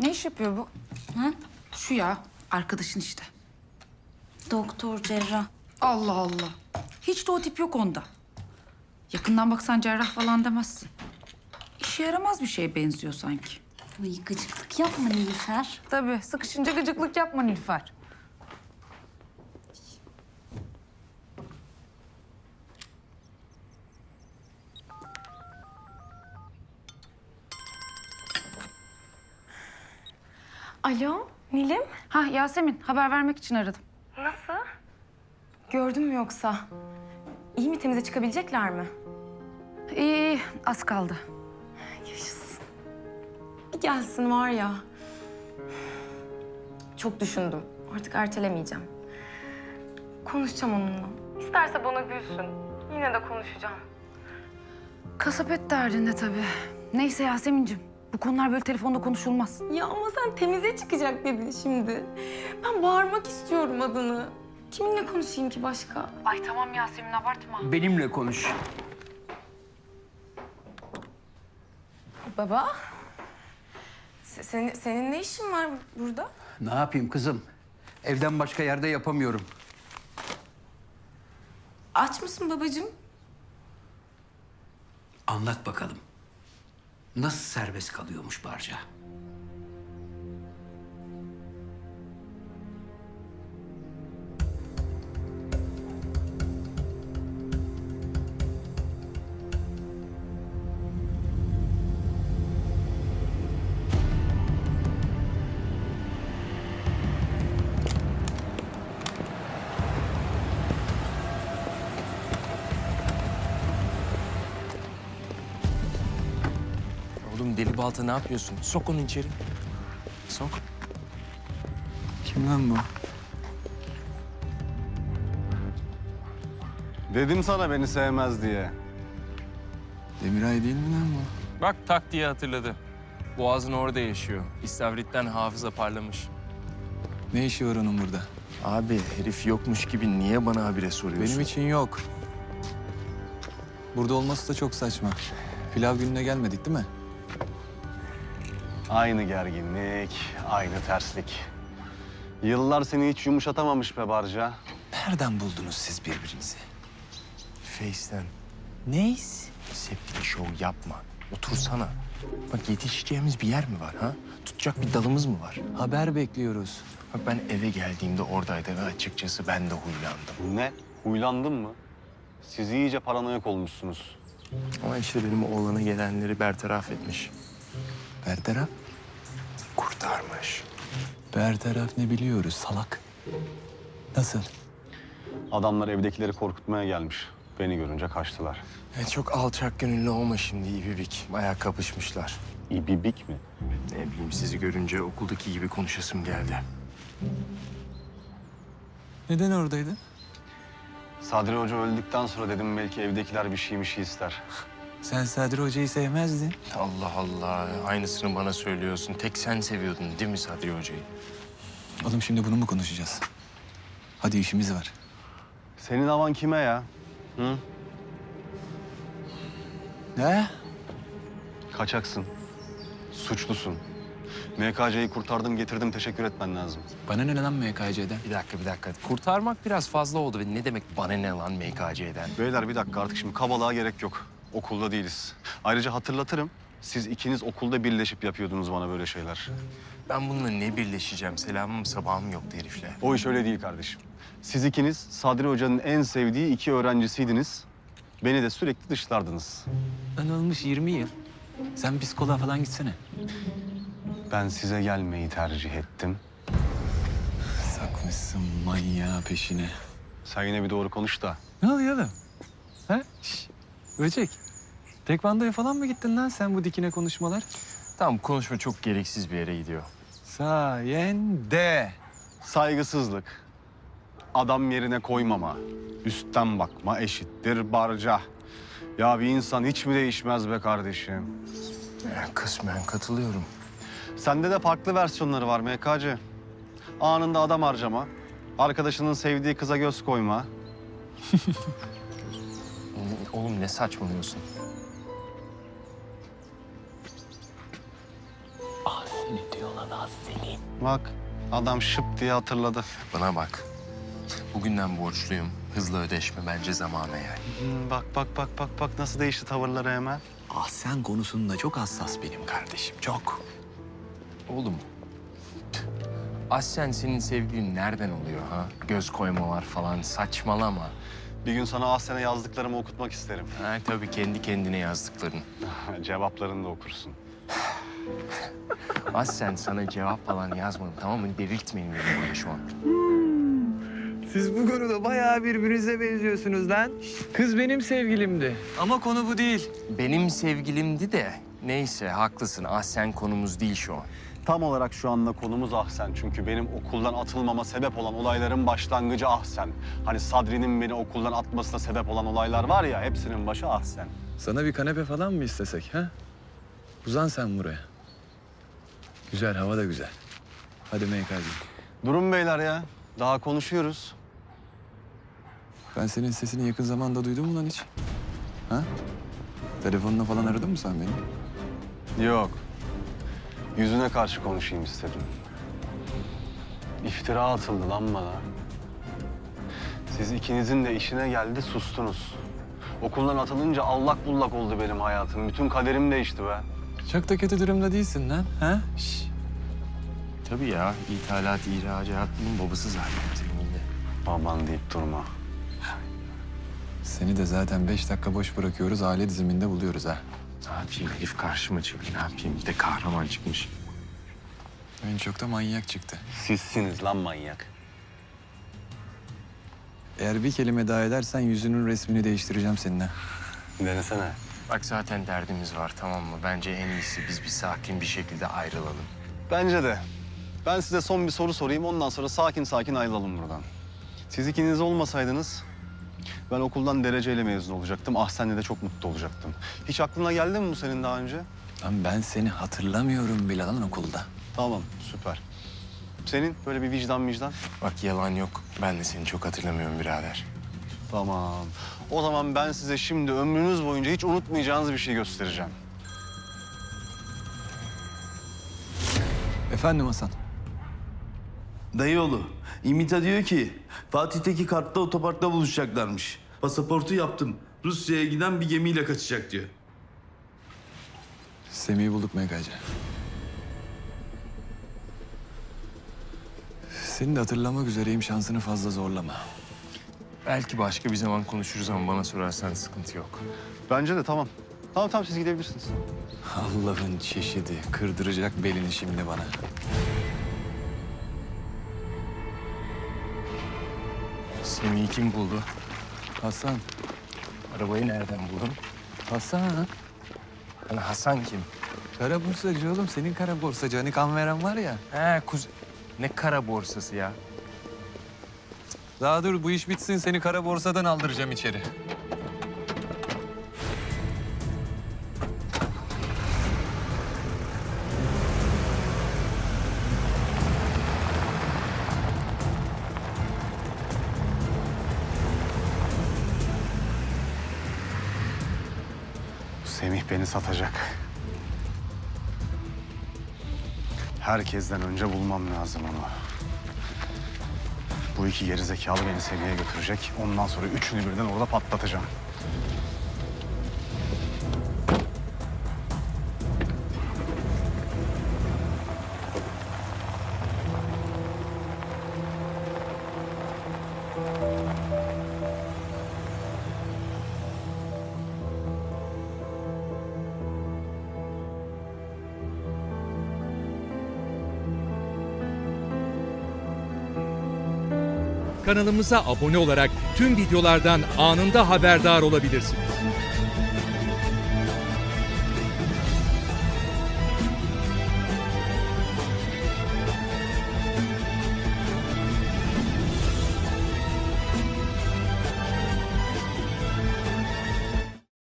Ne iş yapıyor bu? Ha? Şu ya, arkadaşın işte. Doktor, cerrah. Allah Allah. Hiç de o tip yok onda. Yakından baksan cerrah falan demezsin. İşe yaramaz bir şeye benziyor sanki. Ay gıcıklık yapma Nilüfer. Tabii, sıkışınca gıcıklık yapma Nilüfer. Alo, Nilim. Ha Yasemin, haber vermek için aradım. Nasıl? Gördün mü yoksa? İyi mi, temize çıkabilecekler mi? İyi, az kaldı. Yaşasın. Bir gelsin var ya. Çok düşündüm. Artık ertelemeyeceğim. Konuşacağım onunla. İsterse bana gülsün. Yine de konuşacağım. Kasap et derdinde tabii. Neyse Yasemin'cim, bu konular böyle telefonda konuşulmaz. Ya ama sen temize çıkacak dedin şimdi. Ben bağırmak istiyorum adını. Kiminle konuşayım ki başka? Ay tamam Yasemin, abartma. Benimle konuş. Baba. Senin ne işin var burada? Ne yapayım kızım? Evden başka yerde yapamıyorum. Aç mısın babacığım? Anlat bakalım. Nasıl serbest kalıyormuş Barca? Oğlum deli balta ne yapıyorsun? Sok onu içeri. Sok. Kim lan bu? Dedim sana beni sevmez diye. Demiray değil mi lan bu? Bak tak diye hatırladı. Boğazın orada yaşıyor. İstavritten hafıza parlamış. Ne işi var onun burada? Abi herif yokmuş gibi niye bana habire soruyorsun? Benim için yok. Burada olması da çok saçma. Pilav gününe gelmedik değil mi? Aynı gerginlik, aynı terslik. Yıllar seni hiç yumuşatamamış be Barca. Nereden buldunuz siz birbirinizi? Face'ten. Neyiz? Septik şov yapma. Otursana. Bak yetişeceğimiz bir yer mi var ha? Tutacak bir dalımız mı var? Haber bekliyoruz. Bak ben eve geldiğimde oradaydı ve açıkçası ben de huylandım. Ne? Huylandın mı? Siz iyice paranoyak olmuşsunuz. Ama işte benim oğlana gelenleri bertaraf etmiş. Bertaraf? Kurtarmış. Bertaraf ne biliyoruz salak. Nasıl? Adamlar evdekileri korkutmaya gelmiş. Beni görünce kaçtılar. Çok alçak gönüllü olma şimdi İbibik. Bayağı kapışmışlar. İbibik mi? Ne bileyim sizi görünce okuldaki gibi konuşasım geldi. Neden oradaydın? Sadri Hoca öldükten sonra dedim belki evdekiler bir şey ister. Sen Sadri Hoca'yı sevmezdin. Allah Allah. Aynısını bana söylüyorsun. Tek sen seviyordun değil mi Sadri Hoca'yı? Oğlum şimdi bunu mu konuşacağız? Hadi işimiz var. Senin havan kime ya? Hı? Ne? Kaçaksın. Suçlusun. MKC'yi kurtardım, getirdim. Teşekkür etmen lazım. Bana ne lan MKC'den? Bir dakika. Kurtarmak biraz fazla oldu. Ve ne demek bana ne lan MKC'den? Beyler bir dakika artık şimdi kabalığa gerek yok. Okulda değiliz. Ayrıca hatırlatırım. Siz ikiniz okulda birleşip yapıyordunuz bana böyle şeyler. Ben bununla ne birleşeceğim? Selamım sabahım yoktu herifle. O iş öyle değil kardeşim. Siz ikiniz Sadri Hoca'nın en sevdiği iki öğrencisiydiniz. Beni de sürekli dışlardınız. Lan olmuş 20 yıl. Sen psikoloğa falan gitsene. Ben size gelmeyi tercih ettim. Sakmışsın manyağı peşine. Sen yine bir doğru konuş da. Ne oluyor oğlum? Ha? Şş, Böcek. Tekvandoya falan mı gittin lan sen bu dikine konuşmalar? Tamam konuşma çok gereksiz bir yere gidiyor. Sayende. Saygısızlık, adam yerine koymama, üstten bakma eşittir barca. Ya bir insan hiç mi değişmez be kardeşim? Kısmen katılıyorum. Sende de farklı versiyonları var MKC. Anında adam harcama, arkadaşının sevdiği kıza göz koyma. Oğlum ne saçmalıyorsun? Ah seni diyor lan Allah seni. Bak adam şıp diye hatırladı. Bana bak. Bugünden borçluyum. Hızlı ödeşme bence zamanı yani. Bak nasıl değişti tavırları hemen. Ahsen konusunda çok hassas benim kardeşim, çok. Oğlum, Ahsen senin sevgilin nereden oluyor ha? Göz koymalar falan, saçmalama. Bir gün sana Ahsen'e yazdıklarımı okutmak isterim. Ha, tabii kendi kendine yazdıkların. Cevaplarını da okursun. Ahsen sana cevap falan yazmadım, tamam mı? Delirtmeyin beni burada şu an. Siz bu konuda bayağı birbirinize benziyorsunuz lan. Kız benim sevgilimdi. Ama konu bu değil. Benim sevgilimdi de, neyse haklısın. Ahsen konumuz değil şu an. Tam olarak şu anda konumuz Ahsen. Çünkü benim okuldan atılmama sebep olan olayların başlangıcı Ahsen. Hani Sadri'nin beni okuldan atmasına sebep olan olaylar var ya, hepsinin başı Ahsen. Sana bir kanepe falan mı istesek ha? Uzan sen buraya. Güzel, hava da güzel. Hadi MK'cığım. Durun beyler ya. Daha konuşuyoruz. Ben senin sesini yakın zamanda duydum mu lan hiç? Ha? Telefonla falan aradın mı sen beni? Yok. Yüzüne karşı konuşayım istedim. İftira atıldı lan bana. Siz ikinizin de işine geldi, sustunuz. Okuldan atılınca allak bullak oldu benim hayatım. Bütün kaderim değişti be. Çok da kötü durumda değilsin lan. Ha? Şş. Tabii ya, ithalat, ihracatının babası zaten seninle. Baban deyip durma. Seni de zaten 5 dakika boş bırakıyoruz. Aile diziminde buluyoruz ha. Ne yapayım, herif karşıma çıktı, ne yapayım? Bir de kahraman çıkmış. En çok da manyak çıktı. Sizsiniz lan manyak. Eğer bir kelime daha edersen yüzünün resmini değiştireceğim seninle. Denesene. Bak zaten derdimiz var, tamam mı? Bence en iyisi biz bir sakin bir şekilde ayrılalım. Bence de. Ben size son bir soru sorayım. Ondan sonra sakin sakin ayrılalım buradan. Siz ikiniz olmasaydınız ben okuldan dereceyle mezun olacaktım. Ahsen'le de çok mutlu olacaktım. Hiç aklına geldi mi bu senin daha önce? Lan ben seni hatırlamıyorum bile lan okulda. Tamam, süper. Senin böyle bir vicdan? Bak yalan yok, ben de seni çok hatırlamıyorum birader. Tamam. O zaman ben size şimdi ömrünüz boyunca hiç unutmayacağınız bir şey göstereceğim. Efendim Hasan. Dayıoğlu, İmita diyor ki Fatih'teki kartta otoparkta buluşacaklarmış. Pasaportu yaptım. Rusya'ya giden bir gemiyle kaçacak diyor. Semih'i bulduk MKC. Seni de hatırlamak üzereyim, şansını fazla zorlama. Belki başka bir zaman konuşuruz ama bana sorarsan sıkıntı yok. Bence de tamam. Tamam siz gidebilirsiniz. Allah'ın çeşidi, kırdıracak belini şimdi bana. Semih'i kim buldu? Hasan, Arabayı nereden buldun? Hasan. Hani Hasan kim? Kara borsacı oğlum, senin kara borsacı. Hani kan veren var ya. He ne kara borsası ya? Daha dur, bu iş bitsin, seni kara borsadan aldıracağım içeri. Semih beni satacak. Herkesten önce bulmam lazım onu. Bu iki gerizekalı beni Semih'e götürecek. Ondan sonra üçünü birden orada patlatacağım. Kanalımıza abone olarak tüm videolardan anında haberdar olabilirsiniz.